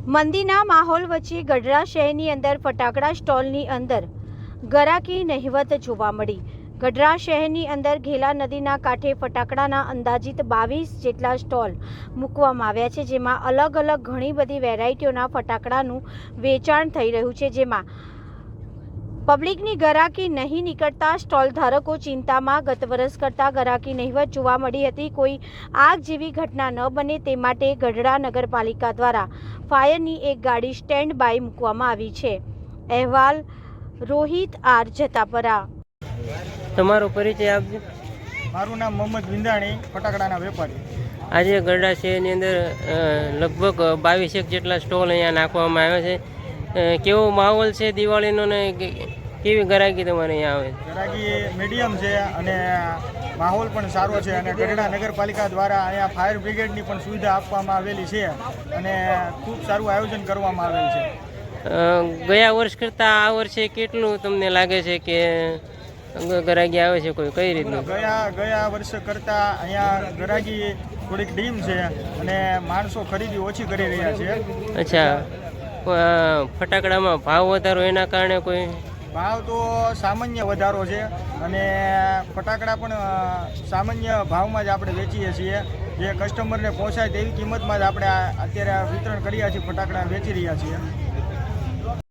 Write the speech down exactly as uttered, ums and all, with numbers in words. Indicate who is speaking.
Speaker 1: મંદીના માહોલ વચ્ચે ગઢડા શહેરની અંદર ફટાકડા સ્ટોલની અંદર ગરાકી નહિવત જોવા મળી। ગઢડા શહેરની અંદર ઘેલા નદીના કાંઠે ફટાકડાના અંદાજિત બાવીસ જેટલા સ્ટોલ મૂકવામાં આવ્યા છે, જેમાં અલગ અલગ ઘણી બધી વેરાયટીઓના ફટાકડાનું વેચાણ થઈ રહ્યું છે, જેમાં પબ્લિકની ગરાકી નહીં નીકળતા સ્ટોલ ધારકો ચિંતામાં ગત વર્ષ કરતાં ગરાકી નહિવત જોવા મળી હતી। કોઈ આગ જેવી ઘટના ન બને તે માટે ગઢડા નગરપાલિકા દ્વારા ફાયરની એક ગાડી સ્ટેન્ડ બાય મૂકવામાં આવી છે। અહેવાલ રોહિત આર જતાપરા।
Speaker 2: તમારો પરિચય આપજો।
Speaker 3: મારું નામ મોહમ્મદ વિંદાણી, ફટાકડાના વેપારી।
Speaker 2: આજે ગઢડા શહેરની અંદર લગભગ બાવીસેક જેટલા સ્ટોલ અહીંયા નાખવામાં આવ્યા છે। કેવો માહોલ છે દિવાળીનો ને કેવી ગરાકી તમારે અહીંયા આવે?
Speaker 3: ગરાકી મીડિયમ છે અને માહોલ પણ સારો છે અને ગઢડા નગરપાલિકા દ્વારા અહીંયા ફાયર બ્રિગેડની પણ સુવિધા આપવામાં આવેલી છે અને ખૂબ સારું આયોજન કરવામાં આવેલ છે।
Speaker 2: ગયા વર્ષ કરતાં આ વર્ષે કેટલું તમને લાગે છે કે ગરાકી આવે છે? કોઈ કઈ રીતનું?
Speaker 3: ગયા ગયા વર્ષ કરતાં અહીંયા ગરાકી થોડીક ડીમ છે અને માણસો ખરીદી ઓછી કરી રહ્યા છે।
Speaker 2: અચ્છા, ફટાકડામાં ભાવ વધારો એના કારણે કોઈ?
Speaker 3: ભાવ તો સામાન્ય વધારો છે અને ફટાકડા પણ સામાન્ય ભાવમાં જ આપણે વેચીએ છીએ, જે કસ્ટમરને પહોંચાય તેવી કિંમતમાં જ આપણે અત્યારે વિતરણ કર્યા છીએ, ફટાકડા વેચી રહ્યા છીએ।